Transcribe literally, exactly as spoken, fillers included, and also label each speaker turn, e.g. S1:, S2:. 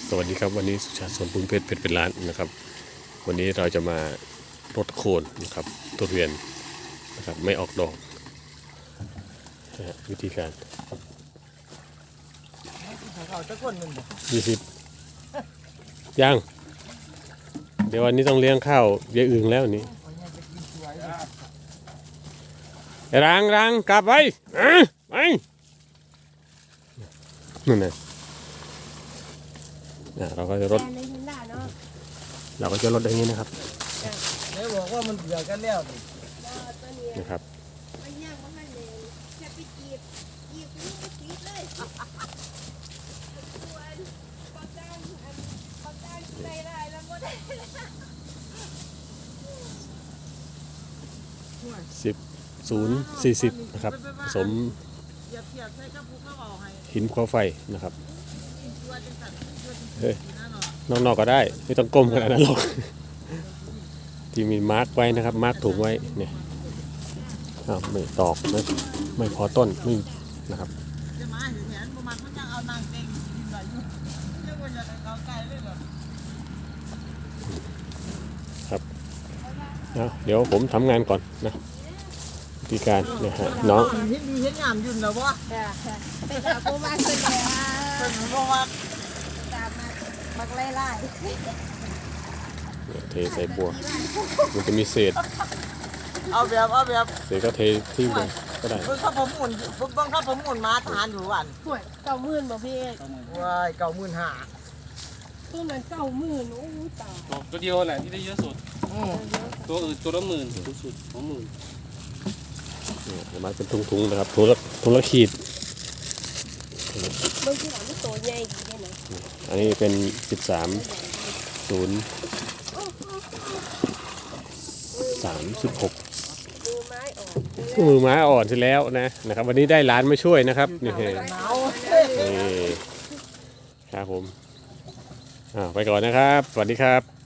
S1: สวัสดีครับวันนี้สุชาติสวนปุ้นเพชรเพชรเป็นล้านนะครับวันนี้เราจะมารดโคนนะครับทุเรียนนะครับไม่ออกดอกนะฮะวิธีการยี่สิบยังเดี๋ยววันนี้ต้องเลี้ยงข้าวยายอึ่งแล้วนี้รังรังกลับไปไปนั่นน่ะเราก็จะรดเราก็จะรดอย่างนี้นะครับ
S2: ไม่บอกว่ามันเบื่อกันแล้ว
S1: นะครับสิบศูนย์สี่สิบนะครับผสมหินภูเขาไฟนะครับเฮ้ยนอกๆก็ได้ไม่ต้องก้มขนาดนั้นหรอกที่มีมาร์กไว้นะครับมาร์กถุงไว้เนี่ยไม่ตอกไม่ไม่พอต้นไม่นะครับครับเดี๋ยวผมทำงานก่อนนะวิธีการเนี่ยฮะน้อง
S2: เห็นดีเห็นงามยุ่นแล้ววะ
S3: เป็นอาโกมาเป็นแล้ว
S2: เป็นเพราะว่า
S3: ตามมาบักไล่ไล่
S1: เทใส่บัวมันจะมีเศษ
S2: เอาแบบเอาแบบ
S1: เศษก็เทที่เลยก็ได้
S2: เพิ่งขับผมหมุนเพิ่งขับผมหมุนมาทานอยู่วัน
S3: ห่วยเก้าหมื่นบ่พี่เอก
S2: ว้ายเก้าหมื่นห้า
S3: ตัวนั้นเก้าหมื่นโอ้ตาย
S4: ตัวเดียวแหละที่ได้เยอะสุดตัวอื่นตัวละหมื่นสูงสุดสองหมื่น
S1: เนี่ยมาเป็นทุงๆนะครับถุงละถุงละขีด
S3: บางทีหลังมันโตใหญ่ดีเลยนะ
S1: อันนี้เป็นสิบสามศูนย์สามสิบหก
S3: มือไม้อ่อน
S1: มือไม้อ่อนที่แล้วนะนะครับวันนี้ได้ร้านมาช่วยนะครับนี่นี่ครับผมไปก่อนนะครับสวัสดีครับ